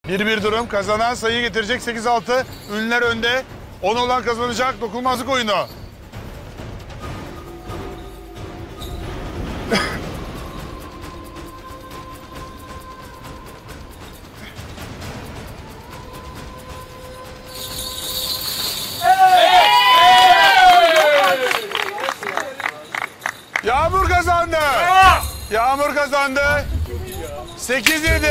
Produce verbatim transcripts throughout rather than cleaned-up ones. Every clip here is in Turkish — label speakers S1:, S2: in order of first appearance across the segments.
S1: bir bir durum. Kazanan sayı getirecek sekiz altı. Ünlüler önde. on olan kazanacak. Dokunulmazlık oyunu. Yağmur kazandı. Yağmur kazandı. sekiz yedi.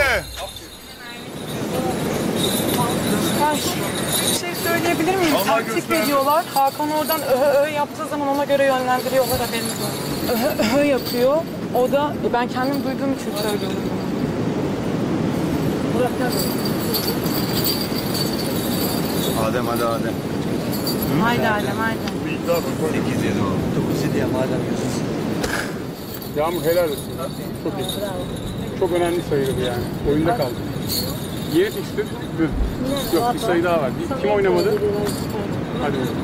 S2: Ay, bir şey söyleyebilir miyim? Taktik veriyorlar. Hakan oradan öhö öhö yaptığı zaman ona göre yönlendiriyorlar, haberiniz olsun. Öhö öhö yapıyor. O da e, ben kendim duyduğum için söylüyorum. Burak nerede?
S3: Adem hadi Adem.
S2: Haydi Adem, haydi.
S3: sekiz yedi o. dokuz yedi ya madem diyorsun.
S4: Yağmur helal olsun. Çok iyi. Çok önemli sayıydı yani. Oyunda kaldı. Yeni fikstür. Düz. Yok bir sayı daha var. Kim oynamadı? Hadi bakalım.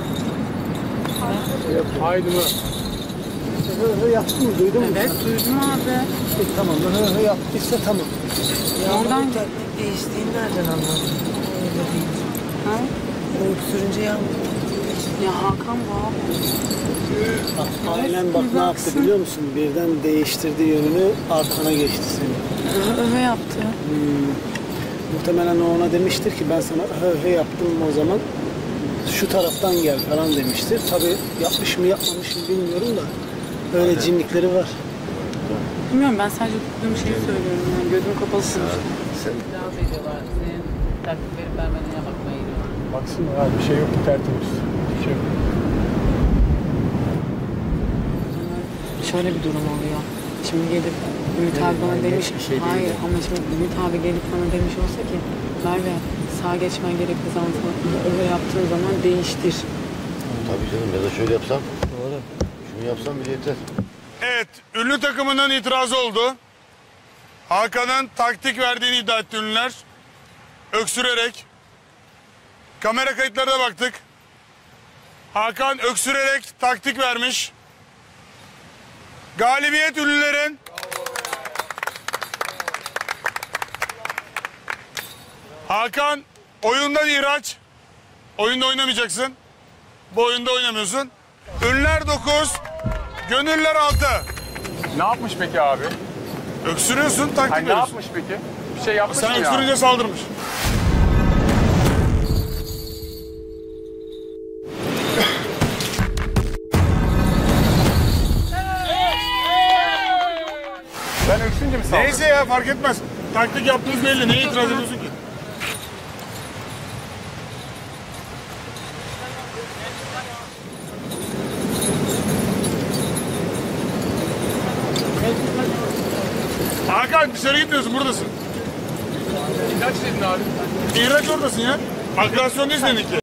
S4: Haydi Murat.
S5: Hı hı yaptın mı? Duydun mu?
S2: Evet, duydum abi.
S5: E, tamam. Hı hı yaptıysa tamam.
S2: Oradan
S6: Değiştiğini nereden anladın? Öyle değil.
S2: ha?
S6: Öksürünce yağmur.
S2: Ya Hakan bu abi.
S5: Aynen bak ne yaptı biliyor musun? Birden değiştirdi yönünü, arkana geçti seni.
S2: Öhö öhö yaptı.
S5: Hmm. Muhtemelen o ona demiştir ki ben sana hı hı yaptım o zaman şu taraftan gel falan demiştir. Tabii yapmış mı yapmamış mı bilmiyorum da öyle cinlikleri var.
S2: Bilmiyorum, ben sadece duyduğum şeyi söylüyorum yani. Gözüm kapalı sonuçta.
S6: İtiraz ediyorlar. Senin taktik verip vermediğine bakmaya gidiyorlar.
S4: Baksana abi bir şey yok ki tertemiz. Bir şey yok.
S2: Şöyle bir durum oluyor. Şimdi gelip Ümit abi bana demiş,
S3: şey değil
S2: hayır
S3: yani.
S2: ama şimdi Ümit abi gelip bana demiş olsa ki Merve sağa geçmen gerektiği zaman falan öyle yaptığın zaman değiştir.
S3: Tabii canım ya da şöyle yapsam. Doğru. Şunu yapsam bile yeter.
S1: Evet, ünlü takımının itirazı oldu. Hakan'ın taktik verdiğini iddia etti ünlüler. Öksürerek. Kamera kayıtlarına baktık. Hakan öksürerek taktik vermiş. Galibiyet ünlülerin. Hakan oyundan ihraç. Oyunda oynamayacaksın. Bu oyunda oynamıyorsun. Ünlüler dokuz, gönüller altı.
S4: Ne yapmış peki abi?
S1: Öksürüyorsun, taktik
S4: Hani ne
S1: veriyorsun.
S4: yapmış peki? Bir şey yapmış
S1: Sen
S4: mı ya?
S1: öksürünce saldırmış.
S4: Ben öksünce mi saldırdım?
S1: Neyse ya, fark etmez. Taktik yaptığınız belli. Neye itiraz ediyorsun ki? Hakan dışarı gitmiyorsun, buradasın.
S4: Kaç dedin abi?
S1: İhraç oradasın ya. Agresyon değil seninki.